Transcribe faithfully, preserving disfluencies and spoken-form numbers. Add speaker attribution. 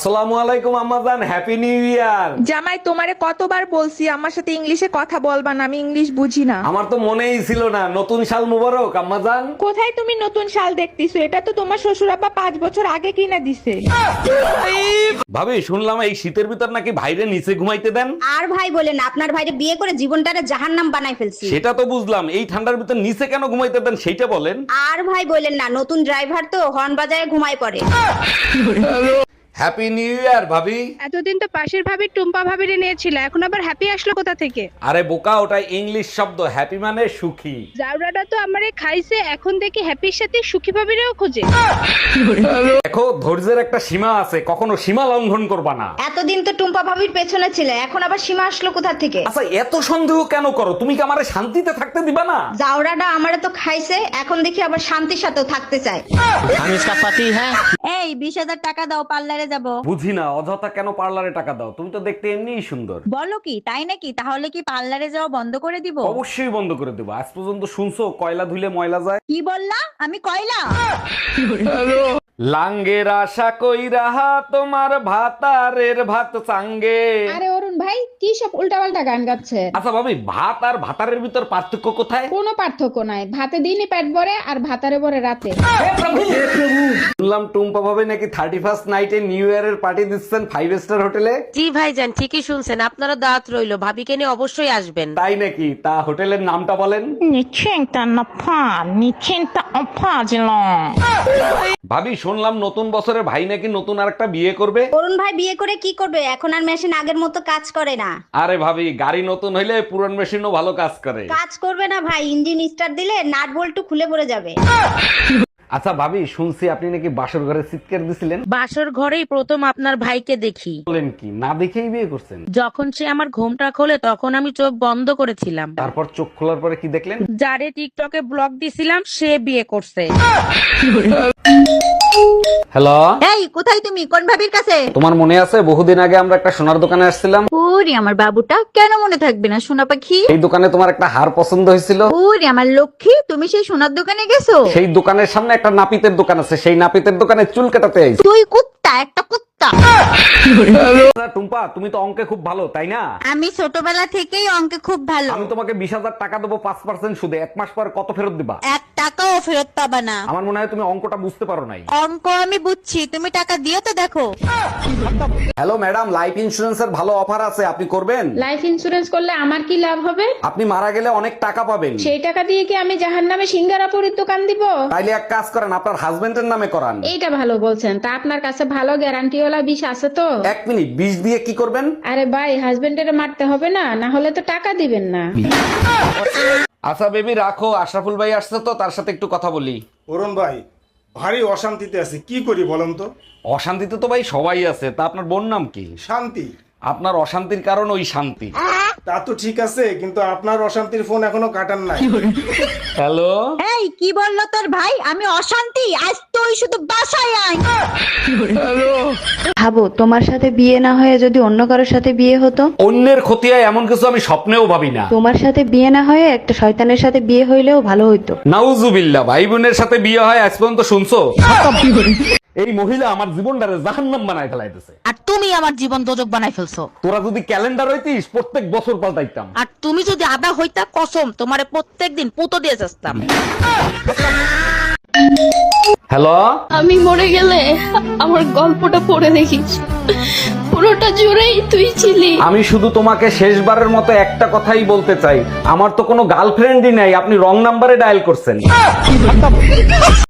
Speaker 1: আসসালামু আলাইকুম আম্মাজান, হ্যাপি নিউ ইয়ার।
Speaker 2: জামাই, তোমারে কতবার বলছি আমার সাথে ইংলিশে কথা বলবা না, আমি ইংলিশ বুঝি না।
Speaker 1: আমার তো মনেই ছিল না। নতুন সাল মুবারক আম্মাজান।
Speaker 2: কোথায় তুমি নতুন শাল দেখতেছো? এটা তো তোমার শ্বশুর আব্বা পাঁচ বছর আগে কিনা দিছে।
Speaker 1: ভাবি, শুনলাম এই শীতের ভিতর নাকি ভাইরে নিচে ঘুমাইতে দেন।
Speaker 3: আর ভাই বলেন, আপনার ভাইরে বিয়ে করে জীবনটারে জাহান্নাম বানাই ফেলছি।
Speaker 1: সেটা তো বুঝলাম, এই ঠান্ডার ভিতর নিচে কেন ঘুমাইতে দেন সেইটা বলেন।
Speaker 3: আর ভাই বলেন না, নতুন ড্রাইভার তো হর্ন বাজায় ঘুমায় পড়ে।
Speaker 1: হ্যাপি নিউ ইয়ার ভাবি।
Speaker 4: এতদিন তো পাশের ভাবির টুম্পা ভাবিরে নিয়েছিল, এখন আবার হ্যাপি আসলো কোথা থেকে?
Speaker 1: আরে বোকা, ওটা ইংলিশ শব্দ। হ্যাপি মানে সুখী।
Speaker 4: জাউরাটা তো আমারে খাইছে, এখন দেখি হ্যাপির সাথে সুখী ভাবিরেও খোঁজে।
Speaker 1: দেখো, ধৈর্যের একটা সীমা আছে, কখনো সীমা লঙ্ঘন করবা না।
Speaker 3: এতদিন তো টুম্পা ভাবির পেছনে ছিলে, এখন আবার সীমা আসলো কোথা থেকে?
Speaker 1: আচ্ছা, এত সন্দেহ কেন করো? তুমি কি আমারে শান্তিতে থাকতে দিবা না?
Speaker 3: জাউরাটা আমারে তো খাইছে, এখন দেখি আবার শান্তির সাথেও থাকতে চায়।
Speaker 5: हम इसका पति है।
Speaker 3: এই বিশ হাজার টাকা দাও, পার্লারে যাব।
Speaker 1: বুঝি না, অযথা কেন পার্লারে টাকা দাও? তুমি তো দেখতে এমনিই সুন্দর।
Speaker 3: বলো কি, তাই নাকি? তাহলে কি পার্লারে যাওয়া বন্ধ করে দিব?
Speaker 1: অবশ্যই বন্ধ করে দেবো। আজ পর্যন্ত শুনছো কয়লা ধুলে ময়লা যায়?
Speaker 3: কি বললা? আমি কয়লা?
Speaker 1: লাঙ্গের আশা কইরা তোমার ভাতারের ভাত চাঙ্গে।
Speaker 6: আরে অরুণ ভাই, কি সব উল্টাপাল্টা গান গাচ্ছে?
Speaker 1: আচ্ছা ভাবি, ভাত আর ভাতারের ভিতর পার্থক্য কোথায়?
Speaker 6: কোনো পার্থক্য নাই, ভাতে দিনই পেট ভরে আর ভাতারে ভরে রাতে।
Speaker 1: শুনলাম টুম্পা ভাবে নাকি থার্টি ফার্স্ট নাইটে নিউ ইয়ারের পার্টি দিচ্ছেন ফাইভ স্টার হোটেলে।
Speaker 7: জি ভাইজান, ঠিকই শুনছেন, আপনারা দাওয়াত রইলো, ভাবিকে নিয়ে অবশ্যই আসবেন।
Speaker 1: তাই নাকি? তা হোটেলের নামটা বলেন। ভাবি, শুনলাম নতুন বছরে ভাই নাকি নতুন আরেকটা বিয়ে করবে।
Speaker 3: অরুণ ভাই বিয়ে করে কি করবে? এখন আর মেশিন আগের মতো কাজ করে না।
Speaker 1: আরে ভাবি, গাড়ি নতুন হইলে পুরান মেশিনও ভালো কাজ করে।
Speaker 3: কাজ করবে না ভাই, ইঞ্জিন স্টার্ট দিলে নাট বল্টু খুলে পড়ে যাবে।
Speaker 1: আচ্ছা ভাবি, শুনছি আপনি নাকি বাসর ঘরে চিৎকার দিছিলেন।
Speaker 7: বাসর ঘরেই প্রথম আপনার ভাইকে দেখি।
Speaker 1: বলেন কি? না দেখেই বিয়ে করছেন?
Speaker 7: যখন সে আমার ঘুমটা খোলে তখন আমি চোখ বন্ধ করেছিলাম।
Speaker 1: তারপর চোখ খোলার পরে কি দেখলেন?
Speaker 7: যারে টিকটকে ব্লগ দিছিলাম সে বিয়ে করছে।
Speaker 1: হ্যালো,
Speaker 3: এই কোথায় তুমি? কোন ভাবির কাছে?
Speaker 1: তোমার মনে আছে বহুদিন আগে আমরা একটা সোনার দোকানে আসছিলাম?
Speaker 3: ওরে আমার বাবুটা, কেন মনে থাকবে না সোনা পাখি?
Speaker 1: এই দোকানে তোমার একটা হার পছন্দ হয়েছিল।
Speaker 3: ওরে আমার লক্ষ্মী, তুমি সেই সোনার দোকানে গেছো?
Speaker 1: সেই দোকানের সামনে একটা নাপিতের দোকান আছে, সেই নাপিতের দোকানে চুল কাটাতে আইছি।
Speaker 3: তুই কুত্তা, একটা কুত্তা।
Speaker 1: আচ্ছা, টুম্পা, তুমি তো অঙ্কে খুব ভালো, তাই না?
Speaker 3: আমি ছোটবেলা থেকেই অঙ্কে খুব ভালো।
Speaker 1: আমি তোমাকে বিশ হাজার টাকা দেবো পাঁচ পার্সেন্ট সুদে। এক মাস পর কত ফেরত দিবা?
Speaker 3: এক টাকাও ফেরত পাবা না।
Speaker 1: আমার মনে হয় তুমি অঙ্কটা বুঝতে পারো নাই।
Speaker 3: অঙ্ক আমি বুঝছি, তুমি টাকা দিও তো দেখো।
Speaker 1: হ্যালো ম্যাডাম, লাইফ ইন্সুরেন্সের ভালো অফার আছে, আপনি করবেন?
Speaker 6: লাইফ ইন্সুরেন্স করলে আমার কি লাভ হবে?
Speaker 1: আপনি মারা গেলে অনেক টাকা পাবেন।
Speaker 6: সেই টাকা দিয়ে কি আমি জাহান্নামে সিঙ্গারাপুরীর দোকান দিব?
Speaker 1: তাইলে এক কাজ করেন, আপনার হাজবেন্ডের নামে করান।
Speaker 6: এইটা ভালো বলছেন। তা আপনার কাছে ভালো গ্যারান্টিওয়ালা বিষ আছে তো?
Speaker 1: এক মিনিট, বিষ দিয়ে কি করবেন?
Speaker 6: আরে ভাই, হাজবেন্ডের মারতে হবে না, না হলে তো টাকা দিবেন না।
Speaker 1: আচ্ছা বেবি, রাখো। আশরাফুল ভাই আসছে তো, তার সাথে একটু কথা বলি।
Speaker 8: অরুণ ভাই, ভারী অশান্তিতে আছি, কি করি বলেন তো?
Speaker 1: অশান্তিতে তো ভাই সবাই আছে, তা আপনার বোন নাম কি?
Speaker 8: শান্তি।
Speaker 1: আপনার অশান্তির কারণ ওই শান্তি।
Speaker 8: তা তো ঠিক আছে, কিন্তু আপনার অশান্তির ফোন এখনো কাটান নাই।
Speaker 1: হ্যালো,
Speaker 3: এই কি বললো তোর ভাই? আমি অশান্তি? আজ তুই শুধু বাসায় আয়।
Speaker 9: ভাবো, তোমার সাথে বিয়ে না হয়ে যদি অন্য কারোর সাথে বিয়ে হতো।
Speaker 1: অন্যের ক্ষতি হয় এমন কিছু আমি স্বপ্নেও ভাবি না।
Speaker 9: তোমার সাথে বিয়ে না হয়ে একটা শয়তানের সাথে বিয়ে হইলেও ভালো হইতো।
Speaker 1: নাউজুবিল্লাহ, ভাই বোনের সাথে বিয়ে হয় আজ পর্যন্ত শুনছো? এই মহিলা আমার জীবনটারে জাহান্নাম বানায় ফেলাইতেছে।
Speaker 7: আর তুমি আমার জীবন দোজক বানাই ফেলছো।
Speaker 1: তোরা যদি ক্যালেন্ডার হইতিস প্রত্যেক বছর পাল্টাইতাম।
Speaker 7: আর তুমি যদি আদা হইতা, কসম তোমারে প্রত্যেকদিন পুতো দিয়ে যাস্তাম।
Speaker 1: হ্যালো,
Speaker 10: আমি মরে গেলে আমার গল্পটা পড়ে দেখিস, পুরোটা জুড়েই তুই ছিলি।
Speaker 1: আমি শুধু তোমাকে শেষবারের মতো একটা কথাই বলতে চাই, আমার তো কোনো গার্লফ্রেন্ডই নাই, আপনি রং নাম্বারে ডায়াল করছেন।